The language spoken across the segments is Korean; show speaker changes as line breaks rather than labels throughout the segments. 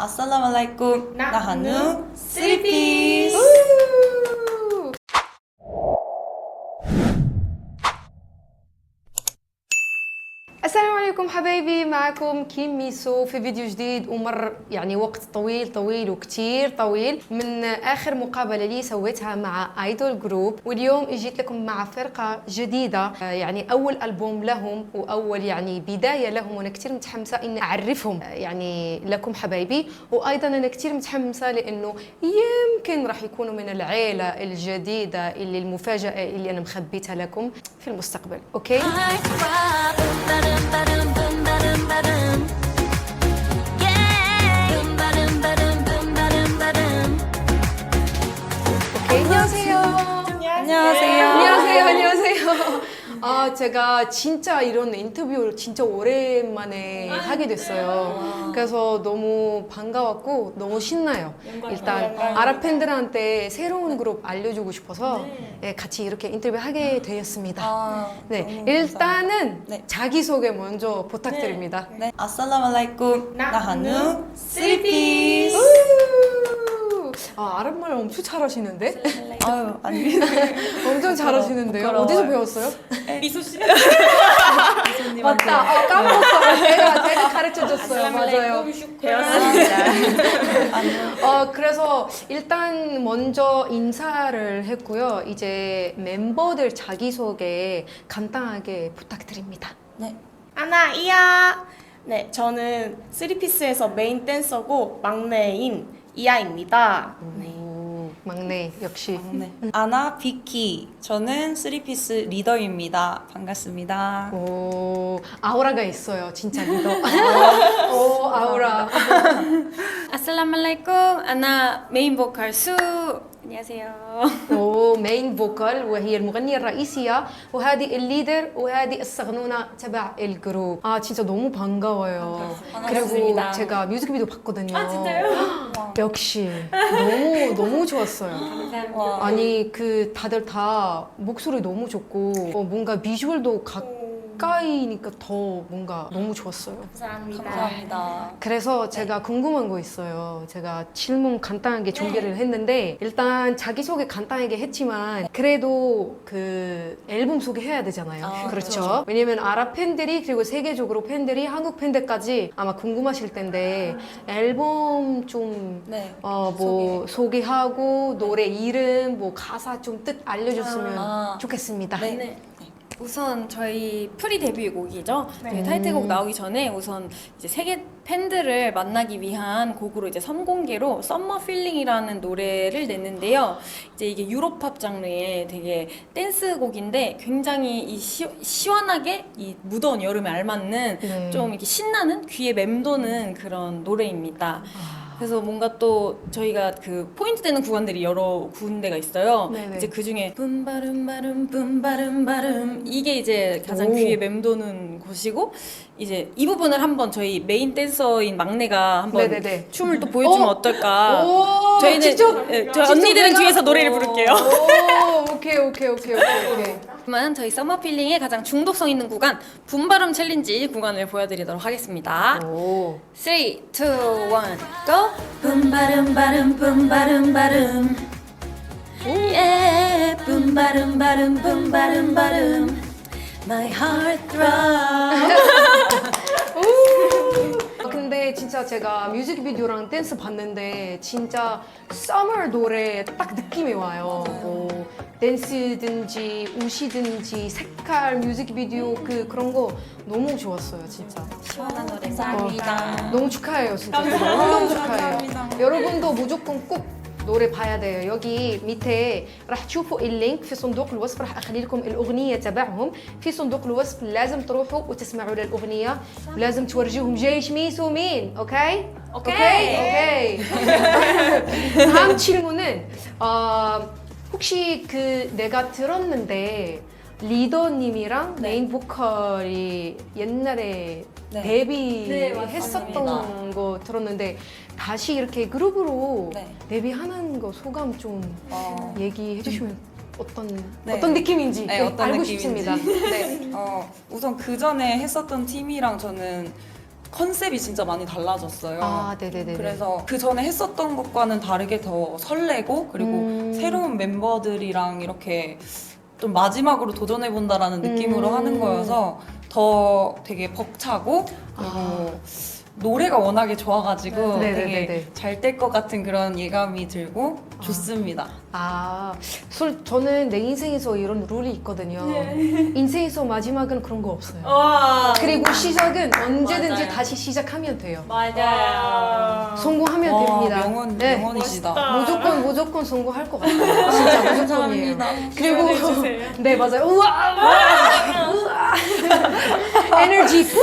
Assalamualaikum.
Nahnu
Sleepies.
السلام عليكم حبايبي، معكم كيم ميسو في فيديو جديد. ومر يعني وقت طويل وكتير طويل من آخر مقابلة لي سويتها مع ايدول جروب، واليوم جيت لكم مع فرقة جديدة، يعني أول ألبوم لهم وأول يعني بداية لهم، وأنا كتير متحمسة إني أعرفهم يعني لكم حبايبي. وأيضا أنا كتير متحمسة لأنه يمكن راح يكونوا من العيلة الجديدة اللي المفاجأة اللي أنا مخبيتها لكم في المستقبل. أوكي؟ 안녕하세요. 제가 진짜 이런 인터뷰를 진짜 오랜만에 하게 됐어요. 그래서 너무 반가웠고 너무 신나요. 일단 아랍 팬들한테 새로운 그룹 알려주고 싶어서 같이 이렇게 인터뷰하게 되었습니다. 네, 일단은 자기소개 먼저 부탁드립니다.
네. Assalamualaikum. Nahnu Sleepies.
아랍말 엄청 잘하시는데?
아유, 아닙니다.
엄청 잘하시는데요?
부끄러워요.
어디서 배웠어요?
미소 씨.
맞다. 까먹었어요. 제가 가르쳐줬어요. 맞아요.
배웠습니다.
그래서 일단 먼저 인사를 했고요. 이제 멤버들 자기소개 간단하게 부탁드립니다.
네.
아나이야. 네, 저는 쓰리피스에서 메인 댄서고 막내인 이아입니다.
오, 막내 역시.
네. 아나 비키. 저는 쓰리피스 리더입니다. 반갑습니다.
오, 아우라가 있어요. 진짜 리더. 오, 아우라.
아살라말라이쿰 أنا 메인 보컬 수 안녕하세요.
مين فوكال وهي المغنية الرئيسية وهذه الليدر وهذه الصغنونة تبع الجروب. 진짜 너무 반가워요. 그리고
반갑습니다.
제가 뮤직비디오 봤거든요.
진짜요?
역시 너무 좋았어요.
감사합니다.
아니 그 다들 다 목소리 너무 좋고 뭔가 비주얼도 가까이니까 더 뭔가 너무 좋았어요.
감사합니다.
그래서 제가 궁금한 거 있어요. 제가 질문 간단하게 준비를 했는데 일단 자기소개 간단하게 했지만 그래도 그 앨범 소개해야 되잖아요. 그렇죠. 왜냐면 아랍 팬들이 그리고 세계적으로 팬들이 한국 팬들까지 아마 궁금하실 텐데 앨범 좀 뭐 소개하고 노래 이름 뭐 가사 좀 뜻 알려줬으면 좋겠습니다.
네. 우선 저희 프리 데뷔곡이죠. 네. 타이틀곡 나오기 전에 우선 이제 세계 팬들을 만나기 위한 곡으로 이제 선공개로 썸머 필링이라는 노래를 냈는데요. 이제 이게 유로팝 장르의 되게 댄스곡인데 굉장히 이 시원하게 이 무더운 여름에 알맞는 좀 이렇게 신나는 귀에 맴도는 그런 노래입니다. 그래서 뭔가 또 저희가 그 포인트 되는 구간들이 여러 군데가 있어요.
네네.
이제 그 중에 뿜바름바름 뿜바름바름 이게 이제 가장 귀에 맴도는 곳이고 이제 이 부분을 한번 저희 메인 댄서인 막내가 한번
네네네.
춤을 또 보여주면 어떨까?
오,
저희는
직접,
저희
직접
언니들은
내가?
뒤에서 노래를 부를게요.
오, 오케이.
그러면 저희 썸머 필링의 가장 중독성 있는 구간 붐바름 챌린지 구간을 보여드리도록 하겠습니다.
오.
3, 2, 1, go! 붐바름바름 붐바름바름 yeah 붐바름바름 붐바름바름 My heart throb
근데 진짜 제가 뮤직비디오랑 댄스 봤는데 진짜 서머 노래 딱 느낌이 와요. 뭐 댄스든지 옷이든지 색깔 뮤직비디오 그런 거 너무 좋았어요 진짜.
시원한 노래
감사합니다.
너무 축하해요 진짜. 너무 축하해요. 여러분도 무조건 꼭 노래 봐야 돼요. 여기 밑에 راح تشوفوا اللينك في صندوق الوصف. راح اخلي لكم الاغنيه تبعهم في صندوق الوصف. لازم تروحوا وتسمعوا للاغنيه ولازم تورجوهم جيش ميسو مين. اوكي. 다음 질문은 혹시 그 내가 들었는데 리더님이랑 메인 보컬이 옛날에 데뷔했었던 거 들었는데 다시 이렇게 그룹으로 데뷔하는 거 소감 좀 얘기해 주시면 어떤 느낌인지
어떤
알고
느낌인지.
싶습니다. 네.
우선 그 전에 했었던 팀이랑 저는 컨셉이 진짜 많이 달라졌어요.
아, 네네네.
그래서 그 전에 했었던 것과는 다르게 더 설레고 그리고 새로운 멤버들이랑 이렇게 좀 마지막으로 도전해본다라는 느낌으로 하는 거여서 더 되게 벅차고 그리고 노래가 워낙에 좋아가지고
네.
되게
네네네네.
잘 될 것 같은 그런 예감이 들고 좋습니다.
저는 내 인생에서 이런 룰이 있거든요. 인생에서 마지막은 그런 거 없어요. 그리고 시작은 언제든지
맞아요.
다시 시작하면 돼요.
맞아요.
성공하면
와,
됩니다.
명언,
네.
명언이시다.
무조건 성공할 것 같아요. 진짜 무조건이에요. 그리고
해주세요.
네 맞아요. 우와. 에너지 푸.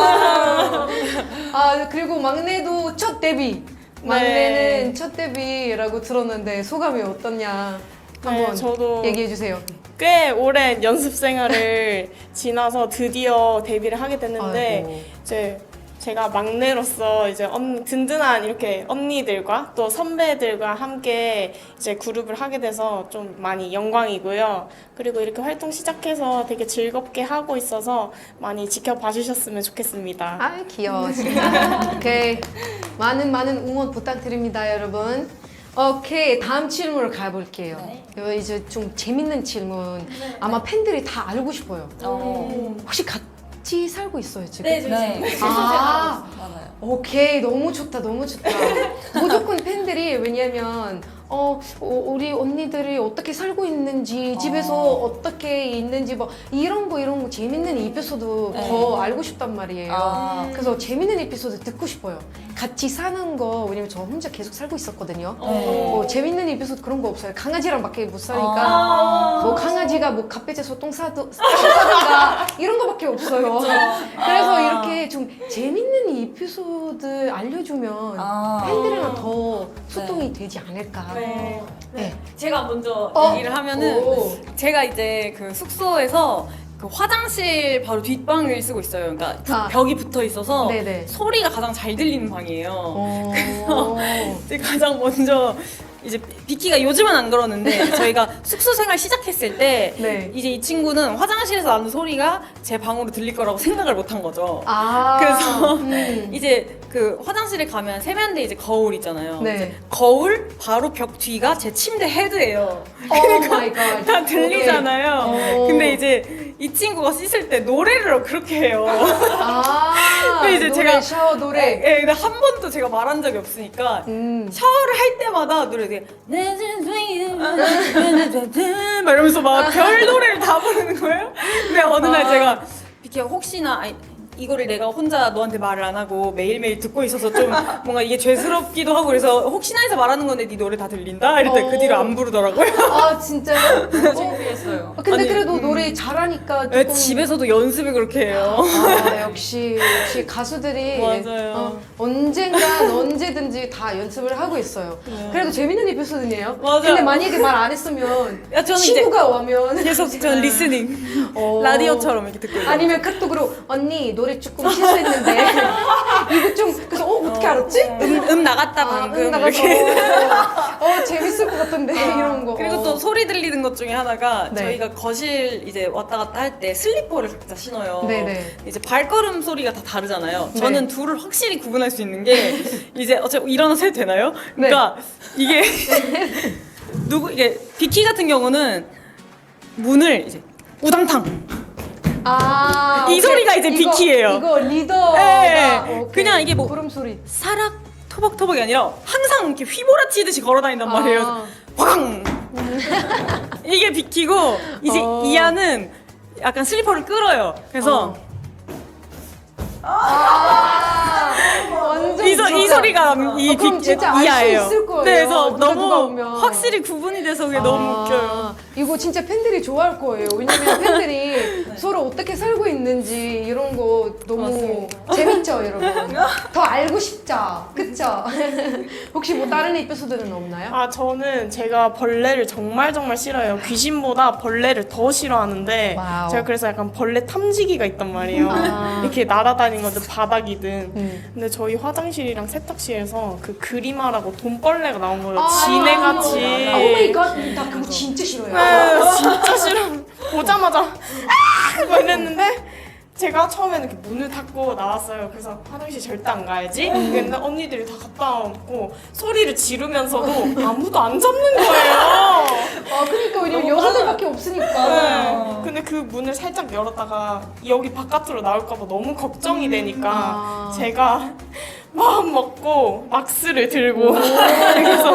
그리고 막내도 첫 데뷔. 막내는 첫 데뷔라고 들었는데 소감이 어떻냐? 한번
저도
얘기해 주세요.
꽤 오랜 연습 생활을 지나서 드디어 데뷔를 하게 됐는데
아이고.
이제 제가 막내로서 이제 든든한 이렇게 언니들과 또 선배들과 함께 이제 그룹을 하게 돼서 좀 많이 영광이고요. 그리고 이렇게 활동 시작해서 되게 즐겁게 하고 있어서 많이 지켜봐 주셨으면 좋겠습니다.
아 귀여워 진짜. 오케이 많은 응원 부탁드립니다 여러분. 오케이 다음 질문을 가볼게요. 이거 이제 좀 재밌는 질문. 아마 팬들이 다 알고 싶어요. 혹시 같이 살고 있어요 지금?
네, 지금
네.
아
맞아요.
오케이 너무 좋다 무조건 팬들이 왜냐면 우리 언니들이 어떻게 살고 있는지 집에서 어떻게 있는지 뭐 이런 거 재밌는 에피소드
네.
더 알고 싶단 말이에요.
아.
그래서 재밌는 에피소드 듣고 싶어요. 같이 사는 거 왜냐면 저 혼자 계속 살고 있었거든요. 재밌는 에피소드 그런 거 없어요. 강아지랑밖에 못 사니까 뭐 강아지가 뭐 갓배제서 똥 싸든가 이런 거밖에 없어요. 그래서 이렇게 좀 재밌는 에피소드 알려주면 팬들이랑 더 소통이 되지 않을까. 네.
제가 먼저 얘기를 하면은
오.
제가 이제 그 숙소에서 그 화장실 바로 뒷방을 쓰고 있어요. 그러니까 벽이 붙어 있어서
네네.
소리가 가장 잘 들리는 방이에요.
어.
이제 가장 먼저 이제 비키가 요즘은 안 그러는데 저희가 숙소 생활 시작했을 때
네.
이제 이 친구는 화장실에서 나는 소리가 제 방으로 들릴 거라고 생각을 못 한 거죠.
그래서
이제 그 화장실에 가면 세면대 이제 거울 있잖아요.
네.
이제 거울 바로 벽 뒤가 제 침대 헤드예요.
오 마이 갓.
다 들리잖아요.
오.
근데 이제 이 친구가 씻을 때 노래를 그렇게 해요.
근데
이제
노래,
제가-
샤워 노래.
예, 근데 한 번도 제가 말한 적이 없으니까 샤워를 할 때마다 노래 되게 막 이러면서 막 별 노래를 다 부르는 거예요. 근데 어느 날 제가 비키야 혹시나 이거를 내가 혼자 너한테 말을 안 하고 매일매일 듣고 있어서 좀 뭔가 이게 죄스럽기도 하고 그래서 혹시나 해서 말하는 건데 네 노래 다 들린다? 이랬더니 그 뒤로 안 부르더라고요.
아 진짜요?
창피했어요.
근데
아니,
그래도 노래 잘하니까
네,
조금
집에서도 연습을 그렇게 해요.
역시 가수들이
맞아요.
언젠간 언제든지 다 연습을 하고 있어요. 그래도 재밌는 에피소드네요.
맞아요.
근데 만약에 말 안 했으면
야, 저는
친구가 오면
계속 저는 리스닝 라디오처럼 이렇게 듣고 있어요.
아니면 카톡으로 언니 노래 조금 실수했는데 이거 좀 그래서 어떻게 알았지?
나갔다 방금
나가서
이렇게.
재밌을 것 같은데 이런 거.
그리고 또 소리 들리는 것 중에 하나가
네.
저희가 거실 이제 왔다 갔다 할 때 슬리퍼를 각자 신어요.
네네.
이제 발걸음 소리가 다 다르잖아요.
네.
저는 둘을 확실히 구분할 수 있는 게 이제 어차피 일어나서 해도 되나요? 그러니까 이게 이게 비키 같은 경우는 문을 이제 우당탕 이
오케이.
소리가 이제 비키예요.
이거 리더가
네.
오케이.
그냥 이게 뭐
구름 소리.
사락 토박토박이 아니라 항상 이렇게 휘몰아치듯이 걸어다닌단 말이에요. 꽝! 이게 비키고 이제 이하는 약간 슬리퍼를 끌어요. 그래서
완전
이
진짜.
소리가 이
그럼 진짜 알 수
이하예요.
있을 거예요.
네, 그래서
누가
너무
오면.
확실히 구분이 돼서 그게 너무 웃겨요.
이거 진짜 팬들이 좋아할 거예요. 왜냐면 팬들이 서로 어떻게 살고 있는지 이런 거 너무 재밌죠, 여러분. 더 알고 싶죠, 그쵸? 혹시 뭐 다른 에피소드는 없나요?
저는 제가 벌레를 정말 싫어해요. 귀신보다 벌레를 더 싫어하는데
와우.
제가 그래서 약간 벌레 탐지기가 있단 말이에요. 이렇게 날아다니는 건데 바닥이든. 근데 저희 화장실이랑 세탁실에서 그 그림하라고 돈벌레가 나온 거예요. 지네같이.
오 마이 갓, 나 그거 진짜 싫어요.
진짜 싫어. 보자마자 막 이랬는데 제가 처음에는 이렇게 문을 닫고 나왔어요. 그래서 화장실 절대 안 가야지. 근데 언니들이 다 갔다 왔고 소리를 지르면서도 아무도 안 잡는 거예요.
아 그러니까 왜냐면 여자들밖에 없으니까.
네. 근데 그 문을 살짝 열었다가 여기 바깥으로 나올까봐 너무 걱정이 되니까
아.
제가 마음 먹고 막스를 들고 그래서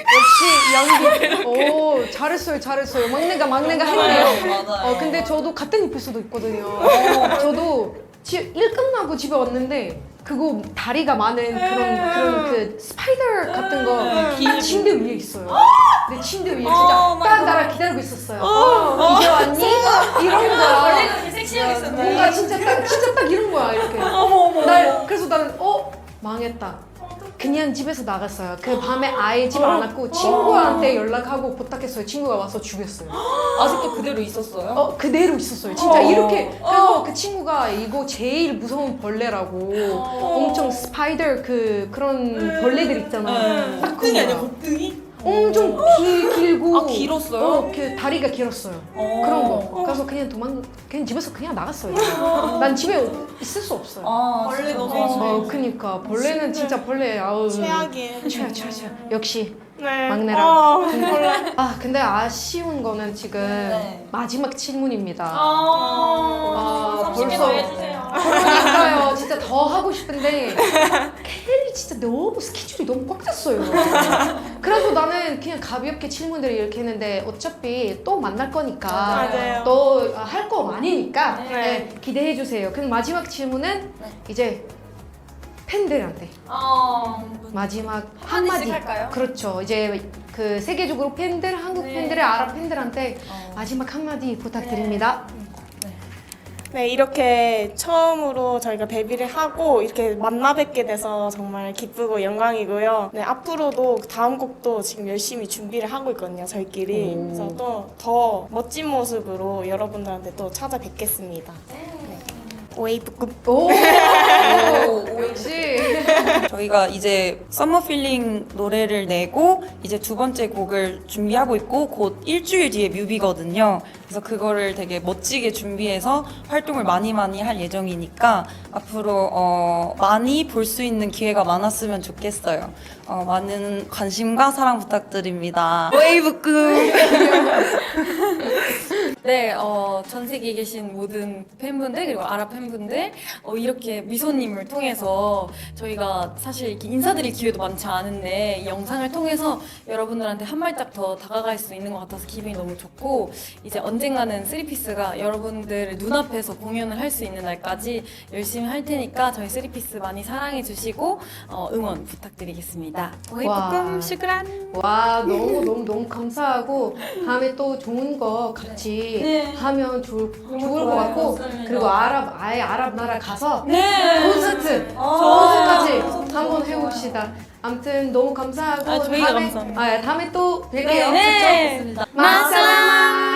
역시 연기. 오 잘했어요. 막내가 했네요.
맞아요.
근데 저도 같은 에피소드 있거든요. 저도 일 끝나고 집에 왔는데 그거 다리가 많은 그런 그 스파이더 같은 거 침대 위에 있어요. 내 침대 위에 진짜 딱 나랑 기다리고 있었어요. 이제 왔니? 이런 거야.
섹시하게 있었네.
뭔가 진짜 딱 이런 거야 이렇게. 그래서 나는 망했다. 그냥 집에서 나갔어요. 그 밤에 아예 집 안 왔고 친구한테 연락하고 부탁했어요. 친구가 와서 죽였어요.
아직도 그대로 있었어요?
그대로 있었어요. 진짜 이렇게. 그래서 그 친구가 이거 제일 무서운 벌레라고 엄청 스파이더 그런 벌레들 있잖아. 딱
곱등이 아니야,
그거야.
곱등이?
엄청 길고.
아, 길었어요?
그 다리가 길었어요. 그런 거. 그래서 그냥 집에서 그냥 나갔어요. 난 집에 있을 수 없어요.
벌레 너무
그니까 벌레는 진짜 벌레. 아우.
최악이에요.
최악. 역시.
네.
막내라. 근데 아쉬운 거는 지금
네.
마지막 질문입니다.
아,
벌써. 그러니까요. 진짜 더 하고 싶은데 켈리 진짜 너무 스케줄이 너무 꽉 찼어요. 그래서 나는 그냥 가볍게 질문들을 이렇게 했는데 어차피 또 만날 거니까
맞아요.
또 할 거 많으니까
네.
기대해 주세요. 그럼 마지막 질문은 이제 팬들한테 마지막 한마디.
할까요?
그렇죠. 이제 그 세계적으로 팬들, 한국 팬들, 아랍 팬들한테 마지막 한마디 부탁드립니다.
네, 이렇게 처음으로 저희가 데뷔를 하고 이렇게 만나 뵙게 돼서 정말 기쁘고 영광이고요. 네, 앞으로도 다음 곡도 지금 열심히 준비를 하고 있거든요, 저희끼리. 그래서 또 더 멋진 모습으로 여러분들한테 또 찾아뵙겠습니다. 네. 웨이브급.
오, 역시.
저희가 이제 썸머 필링 노래를 내고 이제 두 번째 곡을 준비하고 있고 곧 일주일 뒤에 뮤비거든요. 그래서 그거를 되게 멋지게 준비해서 활동을 많이 할 예정이니까 앞으로 많이 볼 수 있는 기회가 많았으면 좋겠어요. 많은 관심과 사랑 부탁드립니다. 웨이브급!
네, 전 세계에 계신 모든 팬분들 그리고 아랍 팬분들 이렇게 미소님을 통해서 저희가 사실 이렇게 인사드릴 기회도 많지 않은데 이 영상을 통해서 여러분들한테 한 발짝 더 다가갈 수 있는 것 같아서 기분이 너무 좋고 이제 언젠가는 쓰리피스가 여러분들 눈앞에서 공연을 할 수 있는 날까지 열심히 할 테니까 저희 쓰리피스 많이 사랑해 주시고 응원 부탁드리겠습니다. 웨이브꿈 슈크란.
와, 너무 감사하고 다음에 또 좋은 거 같이 하면 좋을 것 같고 그리고 아랍 나라 가서 콘서트까지 한번 해봅시다. 아무튼 너무 감사하고
저희가 감사합니다.
다음에 또 뵐게요.
네.
마살라마.